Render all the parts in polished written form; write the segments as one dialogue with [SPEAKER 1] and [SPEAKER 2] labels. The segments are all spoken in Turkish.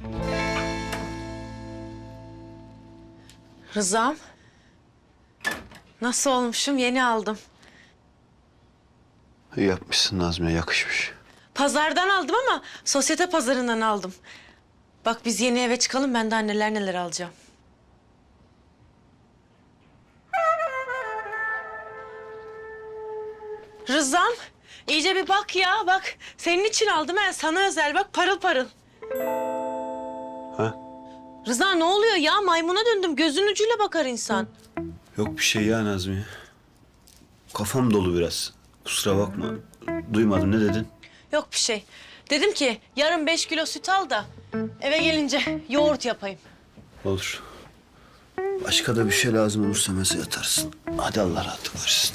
[SPEAKER 1] Rızam. Nasıl olmuşum? Yeni aldım.
[SPEAKER 2] İyi yapmışsın Nazmiye, yakışmış.
[SPEAKER 1] Pazardan aldım ama sosyete pazarından aldım. Bak biz yeni eve çıkalım, ben daha neler neler alacağım. Rızam, iyice bir bak ya, bak. Senin için aldım ben, sana özel bak, parıl parıl.
[SPEAKER 2] Ha?
[SPEAKER 1] Rıza ne oluyor ya? Maymuna döndüm, gözün ucuyla bakar insan.
[SPEAKER 2] Yok bir şey ya Nazmiye. Kafam dolu biraz. Kusura bakma. Duymadım, ne dedin?
[SPEAKER 1] Yok bir şey. Dedim ki yarın 5 kilo süt al da eve gelince yoğurt yapayım.
[SPEAKER 2] Olur. Başka da bir şey lazım olursa mesaj atarsın. Hadi Allah rahatlık versin.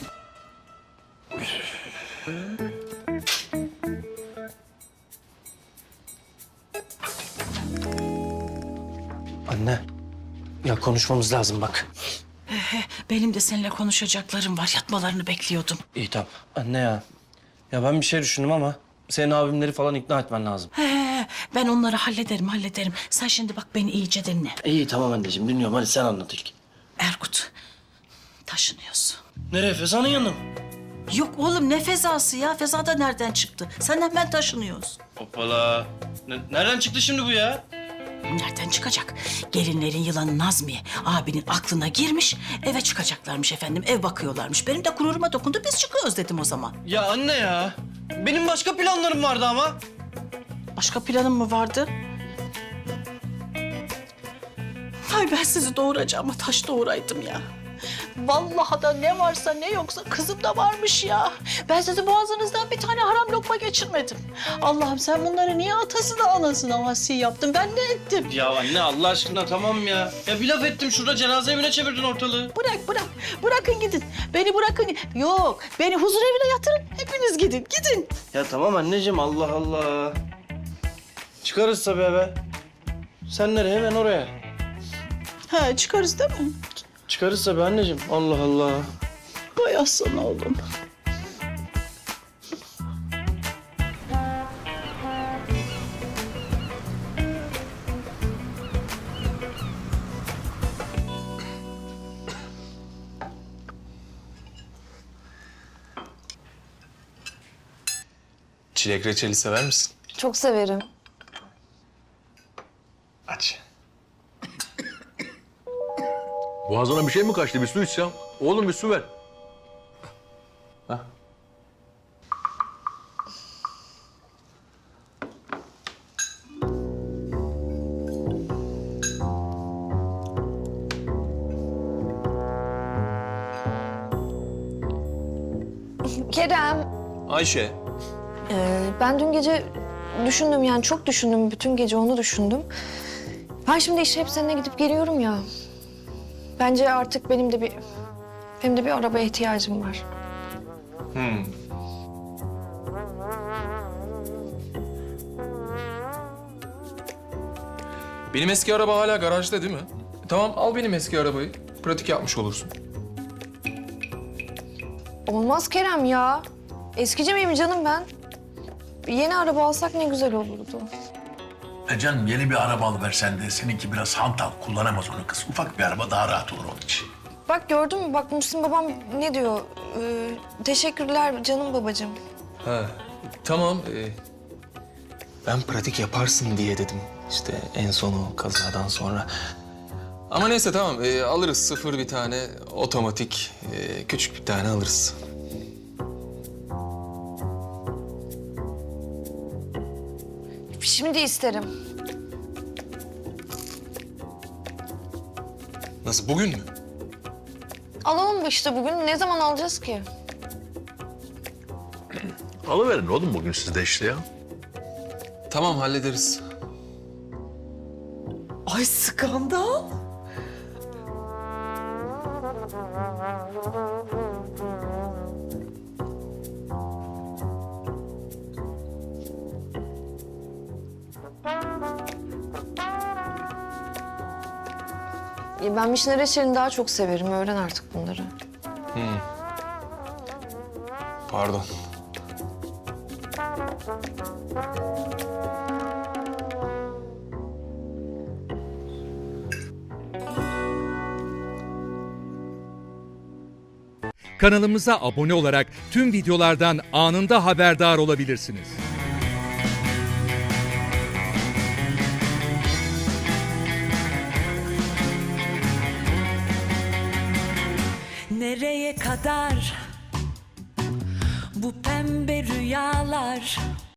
[SPEAKER 3] Anne, ya konuşmamız lazım bak.
[SPEAKER 4] Benim de seninle konuşacaklarım var. Yatmalarını bekliyordum.
[SPEAKER 3] İyi tamam. Anne ya. Ya ben bir şey düşündüm ama senin abimleri falan ikna etmen lazım.
[SPEAKER 4] Ben onları hallederim. Sen şimdi bak beni iyice dinle.
[SPEAKER 3] İyi tamam anneciğim dinliyorum. Hadi sen anlat ilk.
[SPEAKER 4] Erkut, taşınıyorsun.
[SPEAKER 3] Nereye? Feza'nın yanına mı?
[SPEAKER 4] Yok oğlum ne fezası ya? Feza da nereden çıktı? Senden ben taşınıyoruz.
[SPEAKER 3] Hoppala. Nereden çıktı şimdi bu ya?
[SPEAKER 4] Nereden çıkacak? Gelinlerin yılanı Nazmiye abinin aklına girmiş. Eve çıkacaklarmış efendim. Ev bakıyorlarmış. Benim de gururuma dokundu. Biz çıkıyoruz dedim o zaman.
[SPEAKER 3] Ya anne ya. Benim başka planlarım vardı ama.
[SPEAKER 4] Başka planın mı vardı? Ay ben sizi doğuracağıma taş doğuraydım ya. Vallahi da ne varsa ne yoksa kızım da varmış ya. Ben sizi boğazınızdan bir tane haram lokma geçirmedim. Allah'ım sen bunları niye atasına anasına vasi yaptın? Ben ne ettim?
[SPEAKER 3] Ya anne Allah aşkına tamam ya. Ya bir laf ettim şurada cenaze evine çevirdin ortalığı.
[SPEAKER 4] Bırak. Bırakın gidin. Beni bırakın. Yok beni huzur evine yatırın. Hepiniz gidin.
[SPEAKER 3] Ya tamam anneciğim Allah Allah. Çıkarız tabii eve. Sen nereye? Hemen oraya.
[SPEAKER 4] Ha çıkarız değil mi?
[SPEAKER 3] Çıkarız tabii anneciğim. Allah Allah.
[SPEAKER 4] Vay aslan oğlum.
[SPEAKER 5] Çilek reçeli sever misin?
[SPEAKER 6] Çok severim.
[SPEAKER 5] Aç.
[SPEAKER 7] Boğazına bir şey mi kaçtı? Bir su içsem. Oğlum bir su ver.
[SPEAKER 5] Hah.
[SPEAKER 6] Kerem,
[SPEAKER 5] Ayşe.
[SPEAKER 6] ben dün gece düşündüm yani çok düşündüm. Bütün gece onu düşündüm. Ben şimdi işe hep seninle gidip geliyorum ya. Bence artık benim de bir arabaya ihtiyacım var.
[SPEAKER 5] Benim eski araba hala garajda değil mi? Tamam al benim eski arabayı. Pratik yapmış olursun.
[SPEAKER 6] Olmaz Kerem ya. Eskici miyim canım ben? Yeni araba alsak ne güzel olurdu.
[SPEAKER 8] Canım yeni bir araba alıversen de seninki biraz hantal. Kullanamaz onu kız. Ufak bir araba daha rahat olur onun için.
[SPEAKER 6] Bak gördün mü? Bak Muhsin babam ne diyor? Teşekkürler canım babacığım.
[SPEAKER 5] Ha, tamam. Ben pratik yaparsın diye dedim. İşte en sonu kazadan sonra. Ama neyse tamam alırız sıfır bir tane otomatik küçük bir tane alırız.
[SPEAKER 6] Şimdi isterim.
[SPEAKER 5] Nasıl bugün mü?
[SPEAKER 6] Alalım işte bugün. Ne zaman alacağız ki?
[SPEAKER 8] Alıverin oğlum bugün siz de işte ya.
[SPEAKER 5] Tamam hallederiz.
[SPEAKER 4] Ay skandal.
[SPEAKER 6] Ben vişne reçelini daha çok severim. Öğren artık bunları.
[SPEAKER 5] Pardon.
[SPEAKER 9] Kanalımıza abone olarak tüm videolardan anında haberdar olabilirsiniz.
[SPEAKER 10] Nereye kadar bu pembe rüyalar?